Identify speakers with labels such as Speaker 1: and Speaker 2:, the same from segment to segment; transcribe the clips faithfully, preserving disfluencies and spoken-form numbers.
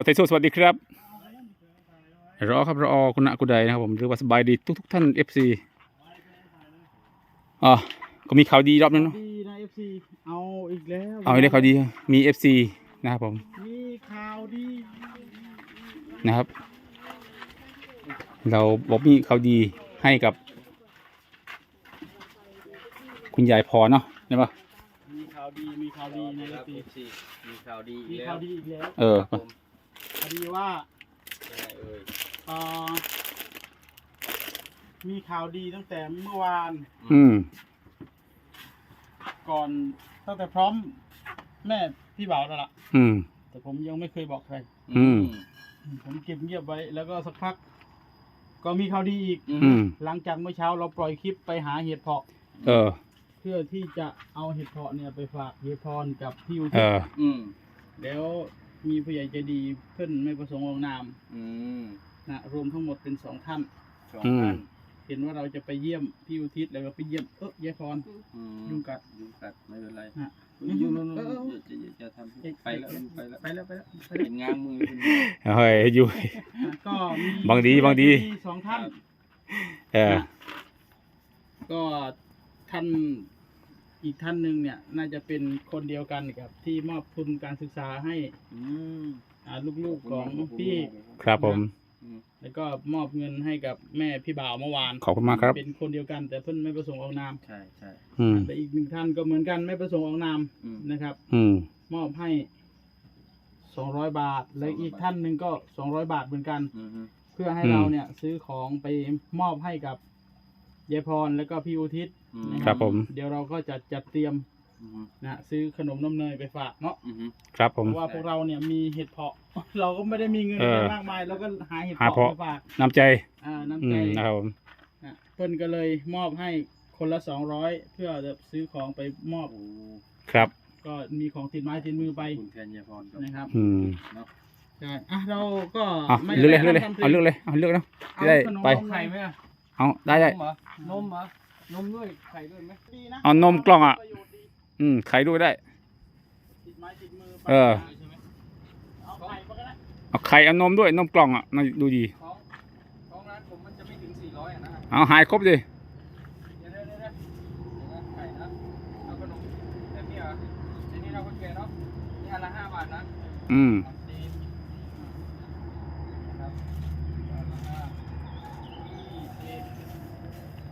Speaker 1: ไทยโซสวัสดีครับรอครับรอคุณณกุใดนะครับผมหรือว่าสบายดีทุกทุกท่านเอฟซีอ๋อก็มีข่าวดีรอบนึงเนาะ
Speaker 2: ดีนะ เอฟ ซี เอาอีกแล้ว
Speaker 1: เอาได้ข่าวดีมีเอฟซีนะครับผม
Speaker 2: มีข่าวดี
Speaker 1: นะครับ เราบอกมีข่าวดีให้กับ คุณยายพรเนาะใช่ปะ
Speaker 2: มีข่าวดีมีข่าวดีนะ เอฟ ซี
Speaker 3: มีข่าวดี
Speaker 2: มี
Speaker 3: อีกแล้
Speaker 2: ข่าว วดีอีกแล้ว
Speaker 1: เออ
Speaker 2: ข่าวดีว่า
Speaker 3: ยังไงเอ่ย
Speaker 2: เอ่อมีข่าวดีตั้งแต่เมื่อวาน
Speaker 1: อืม
Speaker 2: ก่อนตั้งแต่พร้อมแม่พี่บ่าวแล้วล่ะ
Speaker 1: อืม
Speaker 2: แต่ผมยังไม่เคยบอกใคร
Speaker 1: อืม
Speaker 2: ผมเก็บเงียบไว้แล้วก็สักพัก ก็มีข่าวดีอีก
Speaker 1: อืม
Speaker 2: หลังจากเมื่อเช้าเราปล่อยคลิปไปหาเห็ดเพาะ
Speaker 1: เออ
Speaker 2: เพื่อที่จะเอาเห็ดเพาะเนี่ยไปฝากเยายพรกับพี่อุ
Speaker 1: เอ
Speaker 2: ทิศ
Speaker 1: อ
Speaker 3: อืม
Speaker 2: แล้วมีผู้ใหญ่ใจดีเพื่อนไม่ประสงค์ออกนาม
Speaker 3: อืม
Speaker 2: นะรวมทั้งหมดเป็นสองท่าน
Speaker 3: สอง
Speaker 1: อืม
Speaker 3: พัน
Speaker 2: เห็นว่าเราจะไปเยี่ยมพี่อุทิศแล้วก็ไปเยี่ยมเออยายพร
Speaker 3: อืม
Speaker 2: ยุงกัด
Speaker 3: ยุงกัดไม่เป็นไร
Speaker 2: นะ
Speaker 3: ยุงนู่น
Speaker 2: เออเออ
Speaker 3: ๆจะจะจะทำไปแล้วไปแล้ว
Speaker 2: ไปแล้วไปแล้วไป
Speaker 3: เห็
Speaker 2: แล้ว
Speaker 3: นง้างมือคุณ
Speaker 1: เฮ้ยอยู่
Speaker 2: นะก็มี
Speaker 1: บางดีบางดี
Speaker 2: ผู้ใหญ่ใจสองท่าน
Speaker 1: เออ
Speaker 2: ก็ท่านอีกท่านหนึ่งเนี่ย น่าจะเป็นคนเดียวกันกับที่มอบทุนการศึกษาให้
Speaker 3: อืม
Speaker 2: อ่าลูกๆของพี่
Speaker 1: ครับผม
Speaker 3: อืม
Speaker 2: แล้วก็มอบเงินให้กับแม่พี่บ่าวเมื่อวาน
Speaker 1: ขอบคุณมากครับ
Speaker 2: เป็นคนเดียวกัน แต่เพิ่นไม่ประสงค์ออกนาม
Speaker 3: ใช่ใช่
Speaker 1: อืม
Speaker 2: แต่อีกหนึ่งท่านก็เหมือนกันไม่ประสงค์ออกนาม
Speaker 3: อืม
Speaker 2: นะครับ
Speaker 1: อืม
Speaker 2: มอบให้สองร้อยบาท และอีกท่านหนึ่งก็สองร้อยบาทเหมือนกัน
Speaker 3: อืมฮึ
Speaker 2: เพื่อให้
Speaker 1: อืม
Speaker 2: เราเนี่ยซื้อของไปมอบให้กับยายพรแล้วก็พี่อุทิศ
Speaker 3: อืม
Speaker 1: ครับผม
Speaker 2: เดี๋ยวเราก็จะจัดเตรียม
Speaker 3: อืม
Speaker 2: นะซื้อขนมน้ำเนยไปฝากเนาะ
Speaker 3: อืมฮึ
Speaker 1: ครับผ
Speaker 2: เพ
Speaker 1: ม
Speaker 2: ราะว่าพวกเราเนี่ยมีเห็ดเพาะ เราก็ไม่ได้มีเงิน
Speaker 1: เออ
Speaker 2: มากมายเราก็หาเห็ด
Speaker 1: หา
Speaker 2: เพาะ
Speaker 1: เพาะ
Speaker 2: ไปฝาก
Speaker 1: น้ำใจ
Speaker 2: อ่า
Speaker 1: อื
Speaker 2: น้ำใจ
Speaker 1: มนะครับผม
Speaker 2: นะเพิ่นก็เลยมอบให้คนละสองร้อยเพื่อจะซื้อของไปมอบ
Speaker 3: โอ้
Speaker 1: ครับ
Speaker 2: ก็มีของติดไม้ติดมือไป
Speaker 3: คุณแทนยายพรครับ
Speaker 2: นะครับ
Speaker 1: อืม
Speaker 3: เนาะ
Speaker 2: ใช่อ่ะเราก็
Speaker 1: เอา
Speaker 2: ไม่
Speaker 1: เลือกเลยเลือกเลย
Speaker 2: ทำพ
Speaker 1: เอาเลือกเลยเอาเลือกเนาะ
Speaker 2: เอา
Speaker 1: ได้
Speaker 2: ขนม
Speaker 1: ไป
Speaker 2: นมไข่ไหมอะ
Speaker 1: เอาได้ได้
Speaker 3: นมเหรอนมเหรอนมด้วยไข่ด้วยไหม
Speaker 2: ดีนะ
Speaker 1: เอานมกล่องอะ
Speaker 2: ประโยชน์ดี
Speaker 1: อืมไข่ด้วยได้
Speaker 2: ติดไม้ติดมือไป
Speaker 1: เออ
Speaker 2: ใช่ไหมเอาไข่ไปก็ได้
Speaker 1: เอาไข่เอานมด้วยนมกล่องอ่ะน่าดูดี
Speaker 3: ของของร้านผมมันจะไม่ถึงสี่ร้อยอ่ะนะ
Speaker 1: เอาหายครบดิ
Speaker 3: เดี๋ยวเดี๋ยวเดี๋ยวเดี๋ยวนะไข่นะเอาขนมแบบนี้เหรอในนี้เราก็แกะเนาะนี่อันละห้าบาทนะ
Speaker 1: อืม
Speaker 3: เอาสี่นะครับอันละห้ายี่สิบ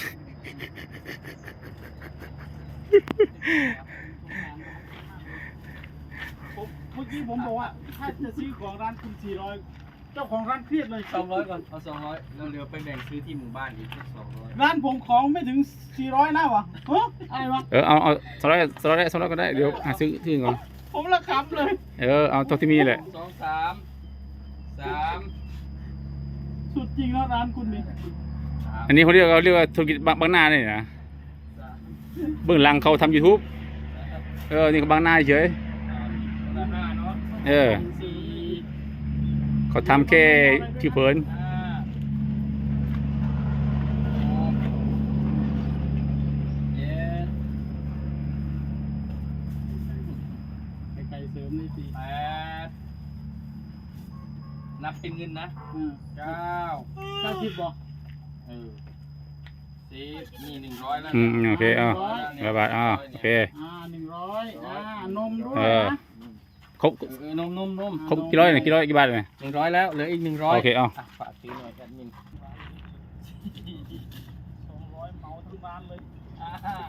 Speaker 2: ผมเมื่อกี้ผมบอกว่าถ้าจะซื้อของร้านคุณสี่ร้อยเจ้าของร้านเครียดเลย
Speaker 3: สองร้อยก่อนเอาสองร้อยแล้วเหลือไปแบ่งซื้อที่หมู่บ้านอีกสักสองร้อย
Speaker 2: ร้านผมของไม่ถึงสี่ร้อยนะวะเฮ้ยอะไรวะ
Speaker 1: เออเอาเอาสไลด์สไลด์สไลด์ก็ได้เดี๋ยวหาซื้อที่อื่นก่อน
Speaker 2: ผมละคำเลย
Speaker 1: เออเอาตัวที่มีแหละ
Speaker 3: สองสามสาม
Speaker 2: สุดจริงแล้วร้านคุณนี่
Speaker 3: สาม
Speaker 1: อันนี้เขาเรียกเขาเรียกว่าธุรกิจบางบางนาเนี่ยนะ
Speaker 3: สาม
Speaker 1: เบื้องหลังเขาทำ YouTube เออนี่ก็บางนาเฉย
Speaker 3: คนละห้าเนาะ
Speaker 1: เออ
Speaker 3: สี่
Speaker 1: เขาทำแค่ผิวเผิน
Speaker 3: ห้าหกเจ็ด
Speaker 2: ไก่เสริมนี่สิ
Speaker 3: แปดนับเป็นเงินนะ
Speaker 2: อืม
Speaker 3: เก้า
Speaker 2: เก้าสิบบอก
Speaker 3: เออสิบนี่หนึ่งร้อยแล้ว
Speaker 1: อืมโอเคเอา
Speaker 2: ร้อย
Speaker 1: ร้อยบาทอ่าโอเค
Speaker 2: อ่าหนึ่งร้อยอ่านมด้วย
Speaker 1: เออ
Speaker 2: นะ
Speaker 1: ครบ
Speaker 3: เออนมนมนม
Speaker 1: ครบกี่ร้อยเนี่ยกี่ร้อยกี่บาทเนี่ย
Speaker 3: หนึ่งร้อยแล้วเหลืออีกหนึ่งร้อย
Speaker 1: โอเคเอา
Speaker 3: ะฝากซื้อหน่อยแอดมิน
Speaker 2: สองร้อยเหมาทั้งร้านเลย
Speaker 3: อ่า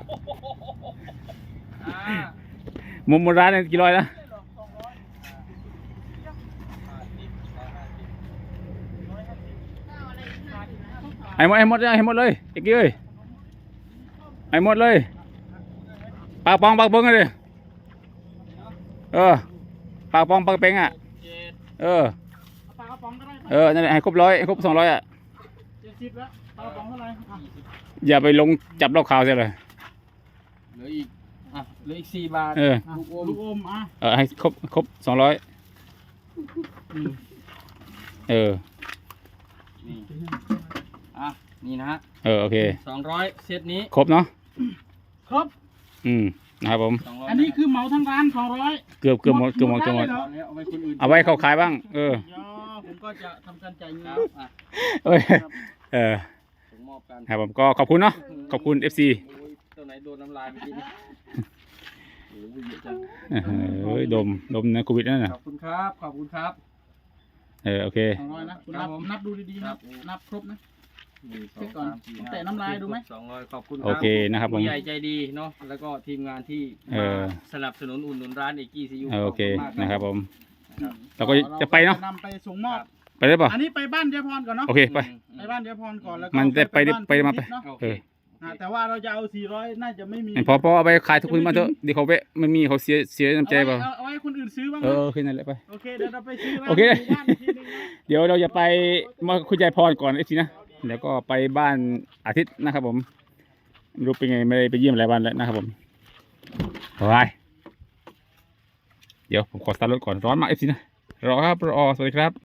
Speaker 3: อ่า
Speaker 1: มุมบนร้านเนี่ยกี่ร้อยนะ
Speaker 2: สองร้อย
Speaker 3: ห้าสิบร้อยห้าสิบ
Speaker 2: ร้อยห้าสิบ
Speaker 1: ไอ้หมดไอ้หมดเลยไอ้หมดเลยไอ้กี้เอ้ยไอ้หมดเลยปากปองปากเบิ้งเลยเออปากปองปากเป้งอ่ะ
Speaker 3: เจ็ด
Speaker 1: เออ
Speaker 2: เอาปลากระป๋องก็ได้
Speaker 1: เออนั่นแหละให้ครบร้อยให้ครบสองร้อยอ่ะ
Speaker 2: เจ็ดสิบแล้วปลากระป๋องเท่าไหร่อ่ะ
Speaker 1: อย่าไปลงจับรอบข่าวเสียเลย
Speaker 3: เหลืออีกอ่ะเหลืออีกสี่บาท
Speaker 1: เออ
Speaker 2: อ่ะลูกอมอ่ะ
Speaker 1: เออให้ครบครบสองร้อย
Speaker 2: อืม
Speaker 1: เออ
Speaker 3: นี่อ่ะนี่นะฮะ
Speaker 1: เออโอเค
Speaker 3: สองร้อยเซตนี้
Speaker 1: ครบเนาะ
Speaker 2: ครบ
Speaker 1: อืมนะครับผม
Speaker 3: สองร้อย
Speaker 2: อันนี้คือเหมาทั้งร้านสองร้อย
Speaker 1: เกือบเกือบหมดเกือบหมดเกือบหมด
Speaker 2: หมด
Speaker 3: เอาไว้คนอื่น
Speaker 1: เอาไว้เขาขายบ้าง เออ
Speaker 2: ยอผมก็จะทำการจ่ายเงิ
Speaker 3: คน รับอ่ะ
Speaker 1: เอ้ย
Speaker 2: ครับ
Speaker 1: เออ
Speaker 3: ส่งมอบกัน
Speaker 1: ครับผมก็ขอบคุณเนาะขอบคุณ เอฟ ซี
Speaker 3: โอ้ยตัวไหนโดนน้ำลายเมื่อกี้นี่โอ้ยเยอะจัง
Speaker 1: เฮ้ยดมดมนะโควิดนั่นน่ะ
Speaker 3: ขอบคุณครับขอบคุณครับ
Speaker 1: เออโอเค
Speaker 2: สองร้อยนะคุณ
Speaker 3: ครั
Speaker 2: นั
Speaker 3: บบ ผม
Speaker 2: นับดูดีๆ
Speaker 3: ครั
Speaker 2: นะ
Speaker 3: บ
Speaker 2: นับครบนะ
Speaker 3: หนึ่งสอ
Speaker 2: เช็
Speaker 3: ง
Speaker 2: คก่อน
Speaker 3: สามสี่ห้า
Speaker 2: แตะน้ำลายดูไหม
Speaker 3: สองร้อยขอบคุณรับ
Speaker 1: โอเคนะครับผม
Speaker 3: ผู้ใหญ่ใจดีเนาะแล้วก็ทีมงานที่
Speaker 1: เออ
Speaker 3: มาสนับสนุนอุ่นหนุนร้านเอกกี้ซียู
Speaker 1: เออโอเคนะครับผม
Speaker 3: ครับ
Speaker 1: เราก็จะไปเนาะ
Speaker 2: นำไปส่งมอบ
Speaker 1: ไปได้ป่ะ
Speaker 2: อันนี้ไปบ้านเจ๊พรก่อนเนาะ
Speaker 1: โอเคไป
Speaker 2: ไปบ้านเจ๊พรก่อนแล้วก็
Speaker 1: มันจะไป
Speaker 2: บ้น
Speaker 1: ไปมาไป
Speaker 2: เนาะ
Speaker 3: โอ
Speaker 1: เอ
Speaker 3: เค
Speaker 1: อ
Speaker 2: อ่าแต่ว่าเราจะเอาสี่ร้อยน่าจะไม่มี
Speaker 1: พอพอเอาไปขายทุกคนมาเถอะเดี๋ยวเขาเวะไม่มีเขาเสียเสียน้ำใจเปล่า
Speaker 2: เอาไว้เอาไว้ให้คนอื่นซื้อบ้าง
Speaker 1: เอ
Speaker 2: นะ
Speaker 1: อโอเคนั่นแหละไป
Speaker 2: โอเคเดี๋ยวเราไปซื้อร้าน
Speaker 1: โอเค
Speaker 2: หมู่บ้านอีกทีหนึงนะ
Speaker 1: เดี๋ยวเราจะไปมาคุณยายพรก่อนไอ้ทีนะแล้วก็ไปบ้านอาทิตย์นะครับผมไม่รู้เป็นไงไม่ได้ไปเยี่ยมหลายวันแล้วนะครับผมไปเดี๋ยวผมขอสตาร์ทรถก่อนร้อนมากไอ้ทีนะรอครับรอสวัสดีครับ